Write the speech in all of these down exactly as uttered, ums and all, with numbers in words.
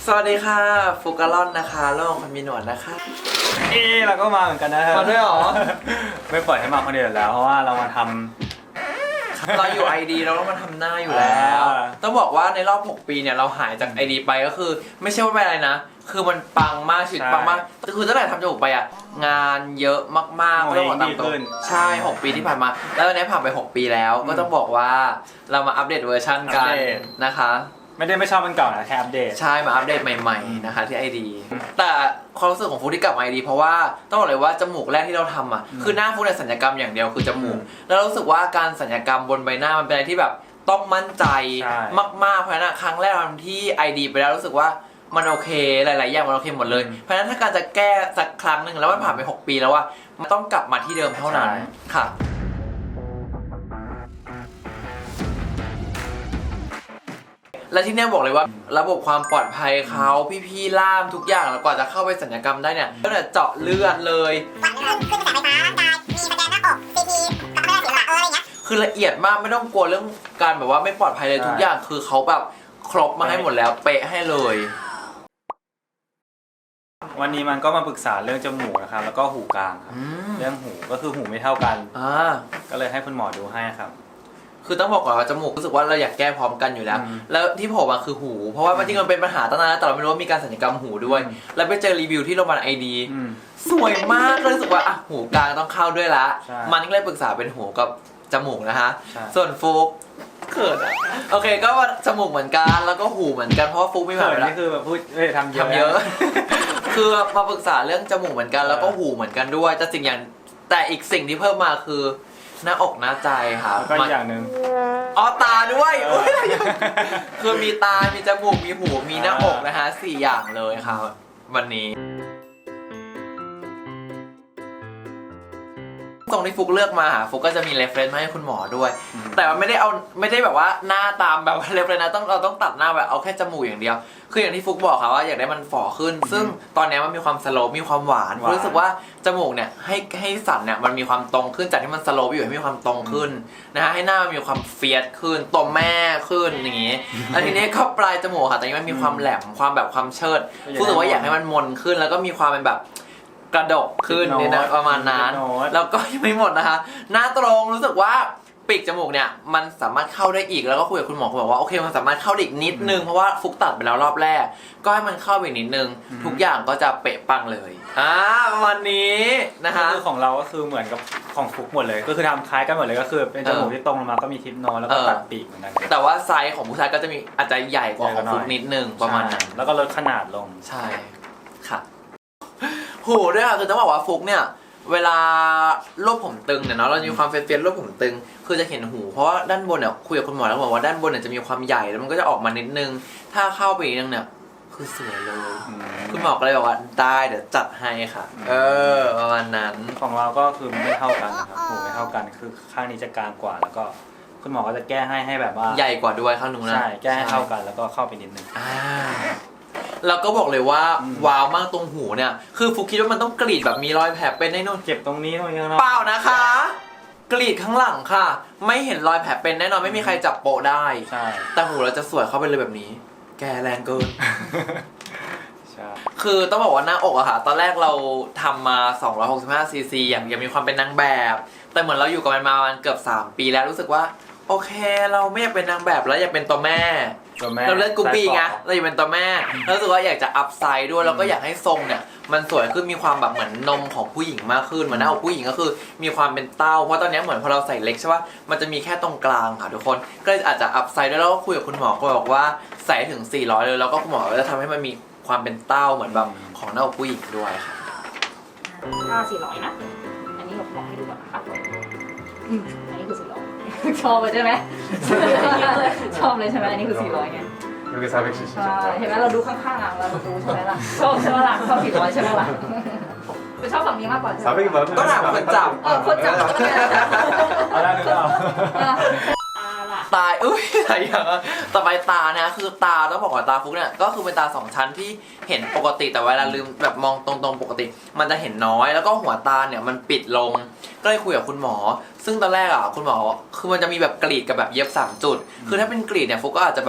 สวัสดีค่ะฟูกาลอนนะคะโลกคนมีหนวดนะคะเอ๊เราก็มาเหมือนกันนะครับมาด้วยหรอไม่ปล่อยให้มาคนเดียวแล้วเพราะว่าเรามาทำเราอยู่ ไอ ดี เราต้องมาทำหน้าอยู่แล้วต้องบอกว่าในรอบหกปีเนี่ยเราหายจาก ไอ ดี ไปก็คือไม่ใช่ว่าเป็นอะไรนะคือมันปังมากชีวิตปังมากคือตั้งแต่ทำจมูกไปอ่ะงานเยอะมากๆไม่ต้องบอกตามตรงใช่หกปีที่ผ่านมาแล้วตอนนี้ผ่านไปหกปีแล้วก็ต้องบอกว่าเรามาอัปเดตเวอร์ชันกันนะคะไม่ได้ไม่ชอบมันเก่านะแค่อัปเดตใช่มาอัปเดตใหม่ๆนะคะที่ ไอ ดี แต่ความรู้สึกของฟูที่กลับมา ไอ ดี เพราะว่าต้องบอกเลยว่าจมูกแรกที่เราทำอ่ะคือหน้าฟูในสัญญกรรมอย่างเดียวคือจมูกแล้วรู้สึกว่าการสัญญกรรมบนใบหน้ามันเป็นอะไรที่แบบต้องมั่นใจมากๆเพราะฉะนั้นครั้งแรกที่ ไอ ดี ไปแล้วรู้สึกว่ามันโอเคหลายๆอย่างมันโอเคหมดเลยเพราะฉะนั้นถ้าการจะแก้สักครั้งหนึ่งแล้วมันผ่านไปหกปีแล้วว่ามันต้องกลับมาที่เดิมเท่านั้นค่ะและที่นี่บอกเลยว่าระบบความปลอดภัยเขาพี่ๆล่ามทุกอย่างแล้วกว่าจะเข้าไปสัญญกรรมได้เนี่ยก็เนี่ยเจาะเลือดเลยขึ้นกระแสไฟฟ้าร่างกายมีสแกนหน้าอกซีทีกับเลือดสีหลักอะไรเงี้ยคือละเอียดมากไม่ต้องกลัวเรื่องการแบบว่าไม่ปลอดภัยเลยทุกอย่างคือเขาแบบครบมาให้หมดแล้วเป๊ะให้เลยวันนี้มันก็มาปรึกษาเรื่องจมูกนะครับแล้วก็หูกลางครับเรื่องหูก็คือหูไม่เท่ากันก็เลยให้คุณหมอดูให้ครับคือต้องบอกก่อนว่าจมูกรู้สึกว่าเราอยากแก้พร้อมกันอยู่แล้วแล้วที่ผมมาคือหูเพราะว่าจริงๆมันเป็นปัญหาตั้งนานแล้วแต่เราไม่รู้ว่ามีการศัลยกรรมหูด้วยแล้วไปเจอรีวิวที่โรงพยาบาล ไอ ดี สวยมากเลยรู้สึกว่าอ่ะหูกลางต้องเข้าด้วยละมันก็เลยปรึกษาเป็นหูกับจมูกนะฮะส่วนฟุกเขินอะโอเคก็ว่าจมูกเหมือนกันแล้วก็หูเหมือนกันเพราะฟุกไม่ผ่านแล้วนี่คือแบบพูดเอ้ยทำเยอะทำเยอะคือมาปรึกษาเรื่องจมูกเหมือนกันแล้วก็หูเหมือนกันด้วยแต่สิ่งอย่างแต่อีกสิ่งที่เพิ่มมาคือหน้าอกหน้าใจค่ะก็อย่างหนึ่งอ๋อตาด้วยคือมีตา มีจมูก มีหู มีหน้าอกนะฮะสี่อย่างเลยครับวันนี้ตรงที่ฟุกเลือกมาฟุกก็จะมีเรฟเฟรนซ์มาให้คุณหมอด้วยแต่ว่าไม่ได้เอาไม่ได้แบบว่าหน้าตามแบบเรฟเฟรนซ์นะต้องเราต้องตัดหน้าแบบเอาแค่จมูกอย่างเดียวคืออย่างที่ฟุกบอกค่ะว่าอยากได้มันฝ่อขึ้นซึ่งตอนนี้มันมีความสโลปมีความหวานรู้สึกว่าจมูกเนี่ยให้ให้สันเนี่ยมันมีความตรงขึ้นจากที่มันสโลปอยู่ให้มีความตรงขึ้นนะฮะให้หน้ามันมีความเฟียสขึ้นตัวแม่ขึ้นอย่างงี้แล้วทีนี้ก็ปลายจมูกค่ะแต่นี้มันมีความแหลมความแบบความเชิดรู้สึกว่าอยากให้มันมนขึ้นแล้วก็มีความเป็นแบบกระดกขึ้นเนี่ยนะประมาณนั้นแล้วก็ยังไม่หมดนะคะหน้าตรงรู้สึกว่าปีกจมูกเนี่ยมันสามารถเข้าได้อีกแล้วก็คุยกับคุณหมอคุณบอกว่าโอเคมันสามารถเข้าได้อีกนิดนึงเพราะว่าฟุกตัดไปแล้วรอบแรกก็ให้มันเข้าไปนิดนึงทุกอย่างก็จะเป๊ะปังเลยอ่าประมาณนี้นะคะคือของเราก็คือเหมือนกับของฟุกหมดเลยก็คือทำคล้ายกันหมดเลยก็คือเป็นจมูกที่ตรงลงมาก็มีทิปโนแล้วก็ตัดปีกเหมือนกันแต่ว่าไซส์ของผู้ชายก็จะมีอาจจะใหญ่กว่าของฟุกนิดนึงประมาณนั้นแล้วก็ลดขนาดลงใช่ค่ะหูด้วยค่ะคือต้องบอกว่าฟุกเนี่ยเวลาโรคผมตึงเนี่ยเนาะเรามีความเฟียนๆโรคผมตึงคือจะเห็นหูเพราะว่าด้านบนเนี่ยคุยกับคุณหมอแล้วบอกว่าด้านบนเนี่ยจะมีความใหญ่แล้วมันก็จะออกมานิดนึงถ้าเข้าไปอีกนึงเนี่ยคือสวยเลยคุณหมอก็เลยบอกว่าได้เดี๋ยวจัดให้ค่ะเออประมาณนั้นของเราก็คือไม่เท่ากันนะครับหูไม่เท่ากันคือข้างนี้จะกลางกว่าแล้วก็คุณหมอก็จะแก้ให้ให้แบบว่าใหญ่กว่าด้วยข้างนู้นนะใช่แก้ให้เท่ากันแล้วก็เข้าไปนิดนึงแล้วก็บอกเลยว่าว้าวมากตรงหูเนี่ยคือฟุกคิดว่ามันต้องกรีดแบบมีรอยแผลเป็นแน่นอนเจ็บตรงนี้ตรงนี้เปล่านะคะกรีดข้างหลังค่ะไม่เห็นรอยแผลเป็นแน่นอนไม่มีใครจับโปะได้ใช่แต่หูเราจะสวยเข้าไปเลยแบบนี้แกแรงเกินใช่คือต้องบอกว่าหน้าอกอะค่ะตอนแรกเราทำมาสองร้อยหกสิบห้าซีซีอย่างยังมีความเป็นนางแบบแต่เหมือนเราอยู่กับมันมาประมาณเกือบสามปีแล้วรู้สึกว่าโอเคเราไม่อยากเป็นนางแบบแล้วอยากเป็นตัวแม่เราเลือกกูปี้ไงเราอยากเป็นตัวแม่แล้วรู้สึกว่าอยากจะอัพไซด์ด้วยแล้วก็อยากให้ทรงเนี่ยมันสวยขึ้นมีความแบบเหมือนนมของผู้หญิงมากขึ้นเหมือนหน้าอกผู้หญิงก็คือมีความเป็นเต้าเพราะตอนนี้เหมือนพอเราใส่เล็กใช่ป่ะมันจะมีแค่ตรงกลางค่ะทุกคนก็เลยอาจจะอัพไซด์ด้วยแล้วก็คุยกับคุณหมอก็บอกว่าใส่ถึงสี่ร้อยเลยแล้วก็คุณหมอก็จะทำให้มันมีความเป็นเต้าเหมือนแบบของหน้าอกผู้หญิงด้วยค่ะถ้าสี่ร้อยนะอันนี้ผมบอกให้ดูก่อนนะคะอันนี้คือสี่ร้อยชอบเลยใช่ไหมชอบเลยใช่ไหมอันนี้คือสี่ร้อยไง 여기사백칠십 เห็นไหมเราดูข้างๆอ่ะเราดูใช่ไหมล่ะชอบใช่ไหมล่ะชอบสี่ร้อยใช่ไหมล่ะไปชอบฝั่งนี้มากกว่าก็ถามคนจับเออคนจับอะไรหรือเปล่าตายอุ้ยอะไรอย่างเงี้ยต่อไปตานะคือตาต้องบอกว่าตาฟุกเนี่ยก็คือเป็นตาสองชั้นที่เห็นปกติแต่เวลาลืมแบบมองตรงๆปกติมันจะเห็นน้อยแล้วก็หัวตาเนี่ยมันปิดลงก็เลยคุยกับคุณหมอซึ่งตอนแรกอ่ะคุณหมอคือมันจะมีแบบกรีดกับแบบเย็บสามจุดคือถ้าเป็นกรีดเนี่ยฟุกก็อาจจะแบบ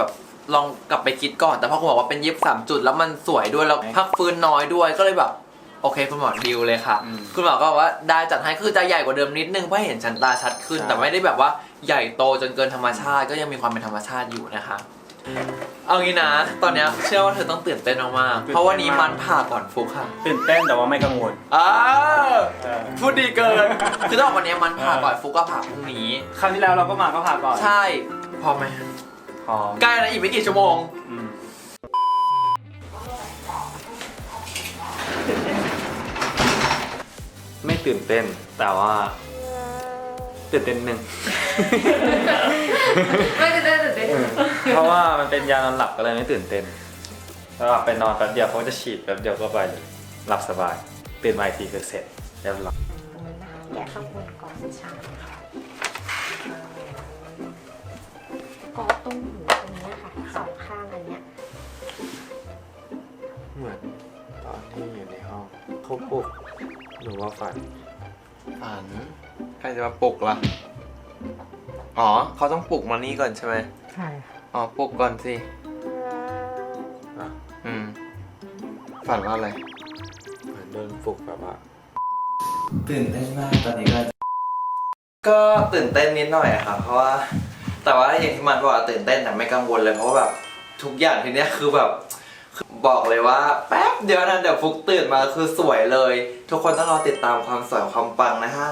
ลองกลับไปคิดก่อนแต่พอคุณบอกว่าเป็นเย็บสามจุดแล้วมันสวยด้วยแล้วพักฟื้นน้อยด้วยก็เลยแบบโอเคคุณหมอดิวเลยค่ะคุณหมอก็บอกว่าได้จัดให้คือจะใหญ่กว่าเดิมนิดนึงเพื่อให้เห็นชั้นตาชัดขึ้นแต่ไม่ได้แบบว่าใหญ่โตจนเกินธรรมชาติก็ยังมีความเป็นธรรมชาติอยู่นะคะเอางี้นะตอนเนี้ยเชื่อว่าเธอต้องตื่นเต้นมากๆเพราะวันนี้มันผ่าก่อนฟุกค่ะตื่นเต้นแต่ว่าไม่กังวลอ้าพูดดีเกินคือต้องบอกวันนี้มันผ่าก่อนฟุกก็ผ่าพรุ่งนี้ครั้งที่แล้วเราก็มาก็พาก่อนใช่พร้อมไหมพร้อมใกล้แล้วอีกไม่กี่ชั่วโมงอืมไม่ตื่นเต้นแต่ว่าตื่นเต้นหนึ่งไม่ตื่นเต้นตื่นเต้นเพราะว่ามันเป็นยานอนหลับก็เลยไม่ตื่นเต้นแล้วหลับไปนอนแป๊บเดียวเขาจะฉีดแป๊บเดียวก็ไปเลยหลับสบายตื่นมาอีกทีคือเสร็จเรียบร้อยแกะข้างบนก่อนใช่ก็ตรงหูตรงนี้ค่ะสองข้างอันเนี้ยเหมือนตอนที่อยู่ในห้องเขาปลุกหรือว่าฝันฝันใครจะมาปลุกล่ะอ๋อเขาต้องปลุกมานี่ก่อนใช่ไหมใช่อ๋อปลุกก่อนสิอ่ะอืมฝันว่าอะไรเหมือนโดนปลุกแบบว่าตื่นเต้นมากตอนนี้ก็ก็ตื่นเต้นนิดหน่อยอะค่ะเพราะว่าแต่ว่าอย่างที่มันบอกว่าตื่นเต้นแต่ไม่กังวลเลยเพราะว่าแบบทุกอย่างทีเนี้ยคือแบบบอกเลยว่าแป๊บเดียวนะเดี๋ยวฟุกตื่นมาคือสวยเลย ทุกคนต้องรอติดตามความสวยความปังนะฮะ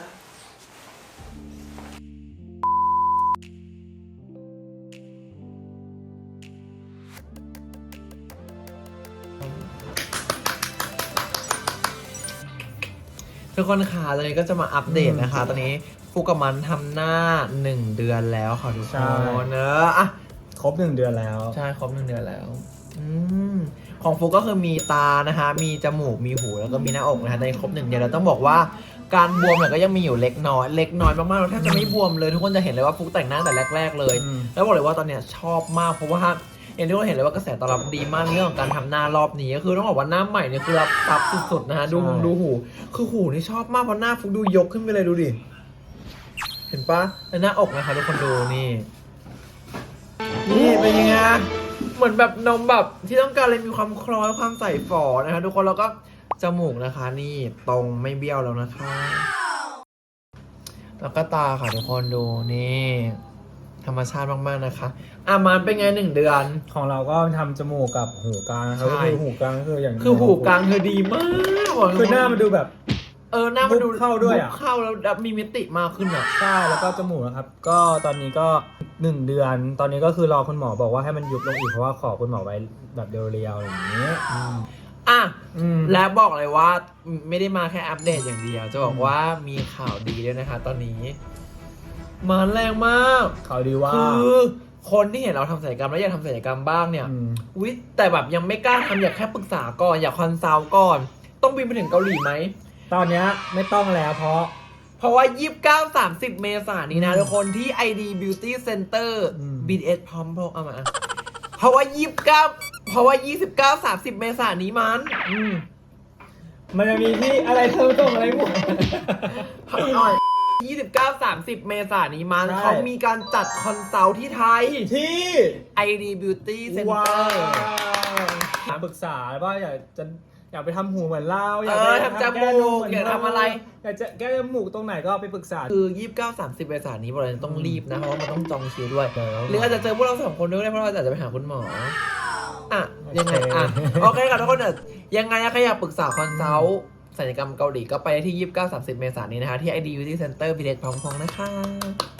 ทุกคนค่ะตอนนี้ก็จะมาอัปเดตนะคะ ตอนนี้ฟุกกับมันทำหน้าหนึ่งเดือนแล้วค่ะทุกคนเนอะอ่ะครบหนึ่งเดือนแล้วใช่ครบหนึ่งเดือนแล้วอืมของฟุกก็คือมีตานะคะมีจมูกมีหูแล้วก็มีหน้าอกนะคะในครบหนึ่งเดือนเราต้องบอกว่าการบวมเนี่ยก็ยังมีอยู่เล็กน้อยเล็กน้อยมากๆเราแทบจะไม่บวมเลยทุกคนจะเห็นเลยว่าฟุกแต่งหน้าแต่แรกๆเลยอืมแล้วบอกเลยว่าตอนเนี้ยชอบมากเพราะว่าอย่างที่เราเห็นเลยว่ากระแสตอบรับดีมากในเรื่องของการทำหน้ารอบนี้ก็คือต้องบอกว่าหน้าใหม่เนี่ยคือรับซับสุดๆนะฮะดูดูหูคือหูนี่ชอบมากเพราะหน้าฟุกดูยกขึ้นไปเลยดูดิเห็นปะแล้วหน้าอกนะคะทุกคนดูนี่นี่เป็นยังไงเหมือนแบบนมแบบที่ต้องการเลยมีความคล้อยความใส่ฝอนะคะทุกคนแล้วก็จมูกนะคะนี่ตรงไม่เบี้ยวแล้วนะคะแล้วก็ตาค่ะทุกคนดูนี่ธรรมชาติมากๆนะคะอ่ะมันเป็นไงหนึ่งเดือนของเราก็ทำจมูกกับหูกลางนะครับใช่ก็คือหูกลางก็คืออย่างคือหูกลางเธอดีมากบอกเลยคือหน้ามันดูแบบเออหน้ามันดูบุบเข้าด้วยอะบุบเข้าแล้วมีมิติมากขึ้นอ่ะใช่แล้วก็จมูกนะครับ ก็ตอนนี้ก็หนึ่งเดือน ตอนนี้ก็คือรอคุณหมอบอกว่าให้มันยุบลงอีกเพราะว่าขอคุณหมอไว้แบบเรียวๆอย่างนี้อ่ะอืมและบอกเลยว่าไม่ได้มาแค่อัปเดตอย่างเดียว จะบอกว่ามีข่าวดีด้วยนะคะ ตอนนี้มาแรงมากข่าวดีว่าคือคนที่เห็นเราทำศัลยกรรมแล้วอยากทำศัลยกรรมบ้างเนี่ยอืมวิแต่แบบยังไม่กล้าทำอยากแค่ปรึกษาก่อนอยากคอนซัลท์ก่อน ต้องบินไปถึงเกาหลีไหมตอนเนี้ยไม่ต้องแล้วเพราะเพราะว่า ยี่สิบเก้า สามสิบ เมษายนนี้นะทุกคนที่ ไอ ดี Beauty Center อืมบี ที เอส พร้อมพกเอามา เพราะว่า ยี่สิบเก้า เพราะว่า ยี่สิบเก้า สามสิบ เมษายนนี้มันอืมมันจะมีที่อะไรเธอส่งอะไรหมดหน่อย ยี่สิบเก้า สามสิบ เมษายนนี้มันใช่เขามีการจัดคอนซัลท์ที่ไทยที่ไอ ดี Beauty ว้า Center วปรึกษาว่าอยากจะอยากไปทำหูเหมือนเราอยากเอไปอทำจมูกแก้นเหนอยากทำอะไรอยากจะแก้จมูกตรงไหนก็ไปปรึกษาคือ ยี่สิบเก้า สามสิบ เมษายนนี้บอกเลยต้องรีบนะ เพราะว่ามันต้องจองคิวด้วยเดี๋ยวหรืออาจจะเจอพวกเราสองคนด้วยก็ได้เพราะเราอาจจะไปหาคุณหมอ อ่ะ ยังไง อ่ะโอเคโอเคค่ะทุกคนเดี๋ยวยังไงนะใครอยากปรึกษาคอนซัลท์ศัลยกรรมเกาหลีก็ไปที่ ยี่สิบเก้า สามสิบ เมษายนนี้นะคะ ที่ ไอ ดี Beauty Center บี ที เอส พร้อมพงษ์นะคะ